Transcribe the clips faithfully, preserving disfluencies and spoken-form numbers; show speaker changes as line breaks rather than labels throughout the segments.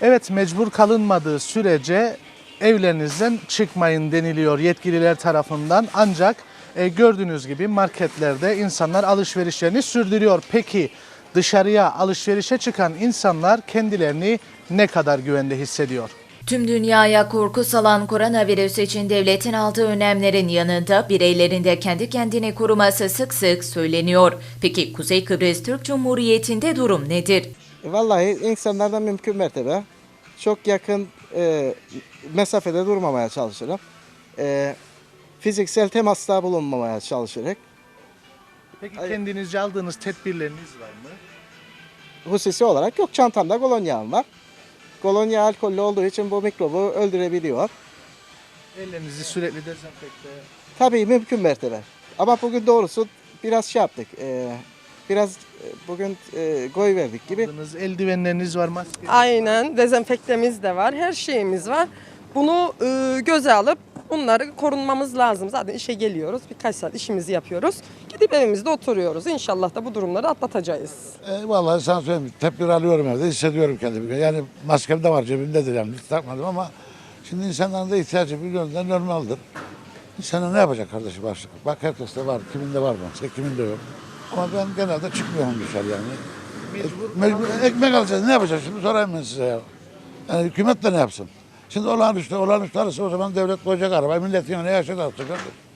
Evet, mecbur kalınmadığı sürece evlerinizden çıkmayın deniliyor yetkililer tarafından. Ancak e, gördüğünüz gibi marketlerde insanlar alışverişlerini sürdürüyor. Peki dışarıya alışverişe çıkan insanlar kendilerini ne kadar güvende hissediyor?
Tüm dünyaya korku salan koronavirüs için devletin aldığı önlemlerin yanında bireylerin de kendi kendini koruması sık sık söyleniyor. Peki Kuzey Kıbrıs Türk Cumhuriyeti'nde durum nedir?
Vallahi insanlardan mümkün mertebe çok yakın e, mesafede durmamaya çalışırım. E, fiziksel temasta bulunmamaya çalışarak.
Peki kendinizce aldığınız tedbirleriniz var mı?
Hususi olarak yok, çantamda kolonyam var. Kolonya alkollü olduğu için bu mikrobu öldürebiliyor.
Ellerinizi sürekli dezenfekte.
Tabii mümkün mertebe. Ama bugün doğrusu biraz şey yaptık. E, biraz e, bugün e, goy verdik gibi.
Aldığınız eldivenleriniz var, maske.
Aynen, dezenfektemiz de var, her şeyimiz var. Bunu e, göze alıp bunları korunmamız lazım. Zaten işe geliyoruz, birkaç saat işimizi yapıyoruz. Gidip evimizde oturuyoruz. İnşallah da bu durumları atlatacağız.
E, vallahi sana söyleyeyim, tedbir alıyorum evde, hissediyorum kendimi. Yani maskem de var, cebimdedir yani, hiç takmadım ama şimdi insanların da ihtiyacı biliyorum da normaldir. İnsanlar ne yapacak kardeşim başlık? Bak herkeste var, kiminde var maske, kiminde yok. Ama ben genelde çıkmıyorum dışarı yani. Mecbur, Mecbur ekmek alacağız, ne yapacağız şimdi sorayım ben size ya. Yani hükümet de ne yapsın? Şimdi olağanüstü, olağanüstü arası o zaman devlet koyacak araba, millet yani ne yaşadı artık.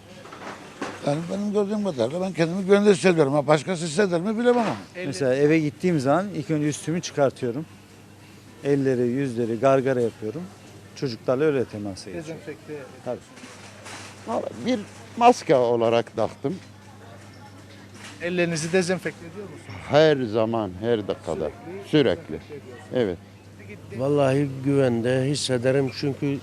Yani benim gördüğüm kadarıyla ben kendimi güvende hissediyorum. Ha, başkası hisseder mi bilemem ama.
Mesela eve gittiğim zaman ilk önce üstümü çıkartıyorum. Elleri, yüzleri gargara yapıyorum. Çocuklarla öyle temasa geçiyorum.
Dezenfekte.
Tabii.
Bir maske olarak taktım.
Ellerinizi dezenfekte ediyor musunuz?
Her zaman, her dakikada. Sürekli. Evet.
Vallahi güvende hissederim çünkü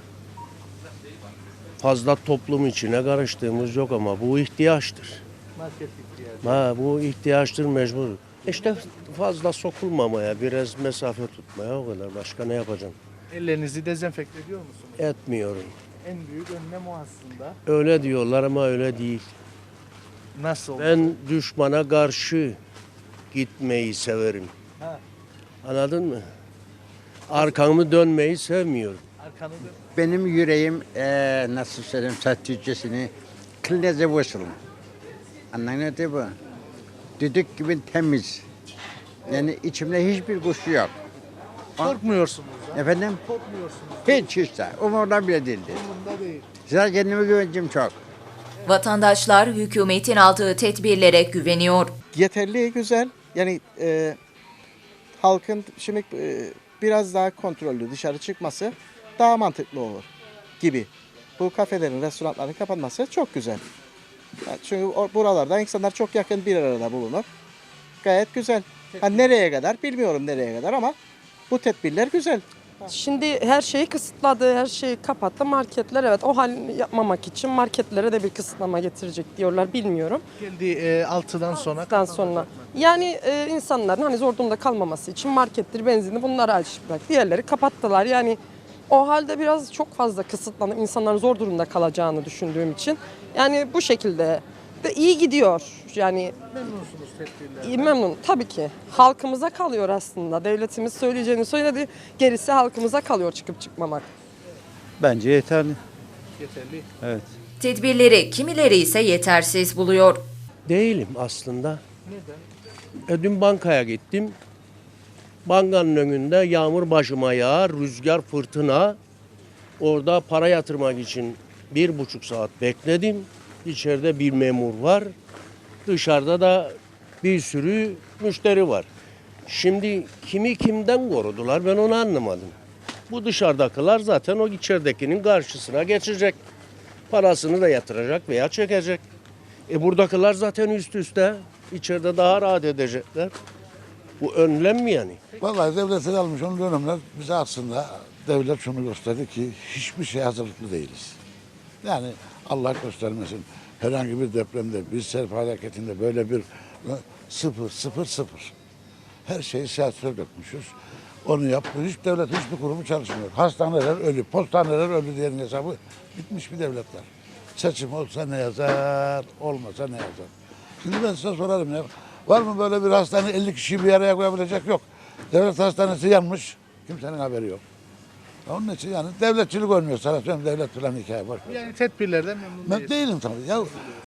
fazla toplum içine karıştığımız yok ama bu ihtiyaçtır.
Market ihtiyacı.
Ha, bu ihtiyaçtır mecbur. İşte fazla sokulmamaya, biraz mesafe tutmaya o kadar. Başka ne yapacağım?
Ellerinizi dezenfekte ediyor musunuz?
Etmiyorum.
En büyük önlem o aslında.
Öyle diyorlar ama öyle değil.
Nasıl?
Ben düşmana karşı gitmeyi severim.
Ha.
Anladın mı? Arkamı dönmeyi sevmiyorum.
Arkanı dön.
Benim yüreğim eee nasıl söyleyeyim Türkçesini kılneze vursun. Anladın mı? Düdük gibi temiz. Yani içimde hiçbir kuşu yok.
Korkmuyorsunuz ha?
Efendim?
Korkmuyorsunuz.
Hiç hiç de. Umurumda bile değildi.
Bunda değil.
Zaten kendime güvencim çok.
Vatandaşlar hükümetin aldığı tedbirlere güveniyor.
Yeterli, güzel. Yani e, halkın şimdi e, biraz daha kontrollü dışarı çıkması daha mantıklı olur gibi. Bu kafelerin, restoranların kapanması çok güzel. Yani çünkü o- buralarda insanlar çok yakın bir arada bulunur. Gayet güzel. Ha, nereye kadar bilmiyorum nereye kadar ama bu tedbirler güzel.
Şimdi her şeyi kısıtladı, her şeyi kapattı. Marketler evet o halini yapmamak için marketlere de bir kısıtlama getirecek diyorlar, bilmiyorum.
Geldi e, altıdan sonra.
Daha sonra. Yani e, insanların hani zor durumda kalmaması için markettir, benzini bunları açık bırak. Diğerleri kapattılar. Yani o halde biraz çok fazla kısıtlanıp insanların zor durumda kalacağını düşündüğüm için. Yani bu şekilde de iyi gidiyor. Yani
Memnunsunuz tedbirlerden.
iyi, memnun tabii ki. Halkımıza kalıyor aslında. Devletimiz söyleyeceğini söyledi. Gerisi halkımıza kalıyor çıkıp çıkmamak.
Bence yeterli.
Yeterli.
Evet.
Tedbirleri kimileri ise yetersiz buluyor.
Değilim aslında.
Neden?
E, dün bankaya gittim. Bankanın önünde yağmur başıma yağar, rüzgar, fırtına. Orada para yatırmak için bir buçuk saat bekledim. İçeride bir memur var. Dışarıda da bir sürü müşteri var. Şimdi kimi kimden korudular ben onu anlamadım. Bu dışarıdakiler zaten o içeridekinin karşısına geçecek. Parasını da yatıracak veya çekecek. E buradakiler zaten üst üste. İçeride daha rahat edecekler. Bu önlem mi yani?
Vallahi devletin almış onun önlemler bize aslında devlet şunu gösterdi ki hiçbir şeye hazırlıklı değiliz. Yani Allah göstermesin herhangi bir depremde, bir sel felaketinde böyle bir sıfır, sıfır, sıfır. Her şeyi siyasete dökmüşüz. Onu yaptı. Hiç devlet, hiçbir kurumu çalışmıyor. Hastaneler ölü, postaneler ölü diyenin hesabı bitmiş bir devletler. Seçim olsa ne yazar, olmasa ne yazar. Şimdi ben size sorarım ya. Var mı böyle bir hastane elli kişiyi bir araya koyabilecek? Yok. Devlet hastanesi yanmış. Kimsenin haberi yok. Onun için yani devletçilik olmuyor. Sana söyleyeyim devlet falan hikaye boş ver.
Yani tedbirlerden memnun
Ben
değilsiniz.
değilim tabii. Ya